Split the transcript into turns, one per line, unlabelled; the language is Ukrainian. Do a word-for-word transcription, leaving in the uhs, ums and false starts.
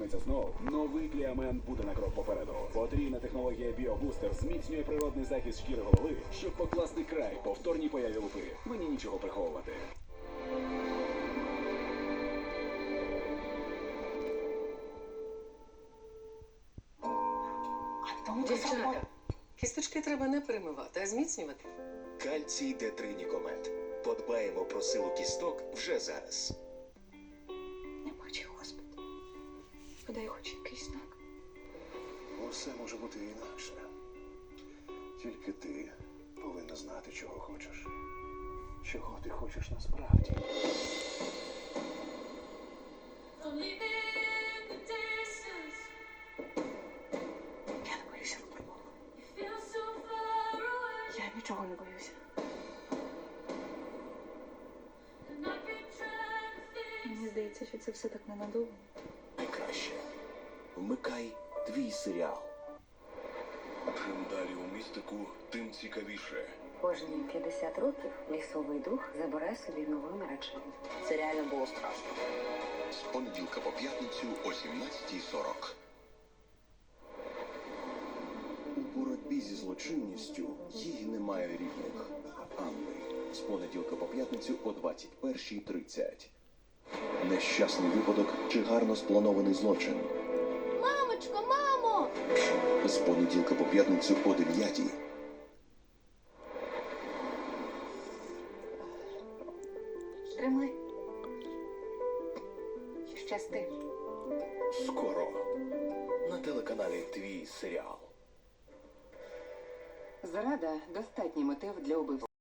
станеться знов, новий Кліамен буде на крок попереду. Потрійна технологія Біобустер зміцнює природний захист шкіри голови, щоб покласти край повторній появі лупи. Мені нічого приховувати.
Дівчата, кісточки треба не перемивати, а зміцнювати.
Кальцій Д три Нікомет. Подбаємо про силу кісток вже зараз.
Не бачи, Господи. Подай хоч якийсь знак.
Усе може бути інакше. Тільки ти повинна знати, чого хочеш. Чого ти хочеш насправді.
Я не боюся випробував. Я нічого не боюся. Мені здається, що це все так ненадовго.
Найкраще. Вмикай твій серіал.
Чим далі у містику, тим цікавіше.
Кожні п'ятдесят років лісовий дух забирає собі нову наречену. Це реально було страшно.
З понеділка по п'ятницю о сімнадцятій сорок.
У боротьбі зі злочинністю їй немає рівних. Анни. З понеділка по п'ятницю о двадцять першій тридцять. Нещасний випадок чи гарно спланований злочин.
Мамочко, мамо!
З понеділка по п'ятницю о дев'ятій.
Тримай. Щасти.
Скоро. На телеканалі Твій серіал.
Зрада – достатній мотив для убивства.